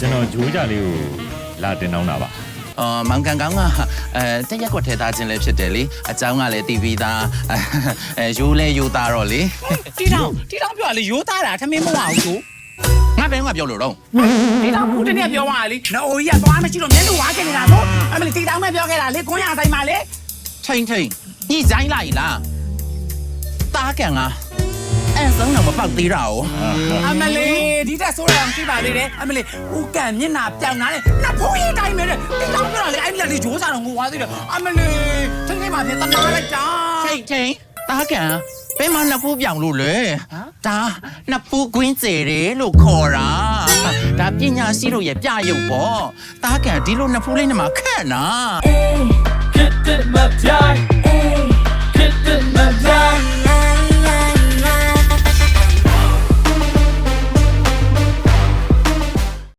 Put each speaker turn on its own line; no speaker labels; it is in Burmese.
ကျွန်တော်ဂျိုးကြလေးကိုလာတင်တောင်းတာပါ
မောင်ကန်ကောင်းကတက်ရက်ကွက်ထဲသားချင်းလည်းဖြစ်တယ်လေအเจ้าကလည်းတီးပြီးသားရိုးလဲရိုးသားတော့လေ
တီတောင်ပြောလေရိုးသားတာထမင်းမဝအောင်ဆို
ငါဘယ်ကပြောလို့တော့
တီတောင်ခုတနေ့ပြောသွားလေနော်ကြီးကသွားမရှိတော့မျက်နှာဝါးခဲ့နေတာဆိုအမလီတီတောင်ပဲပြောခဲ့တာလေခွန်းရဆိုင်မှာလေ
ထိန်ညှိဆိုင်လိုက်လားတားကန်ကအဲ့ဆုံးတော့မပေါက်သေးတာ哦
အမလီဒီတက်ဆိုးရအောင်ရှိပါသေးတယ်အမလီဦးကန်မျက်နှာပြောင်လာတယ်နှစ်ဖိုးရေးတိုင်းပဲတီတောင်ပြောလေအဲ့ဒီလေဂျိုးစားတော့ငိုသွားသေးတယ်အမလီထိန်မှာပြတနာလိုက်တာ
ထိန်တားကန်ဘယ်မှာနှစ်ဖူးပြောင်လို့လဲဒါနှစ်ဖူးကွင်းစေတယ်လို့ခေါ်တာဒါပညာရှိတို့ရဲ့ပြရုပ်ပေါ့တားကန်ဒီလိုနှစ်ဖူးလေးနဲ့မှခက်နာ
Get it my die. Get it my die.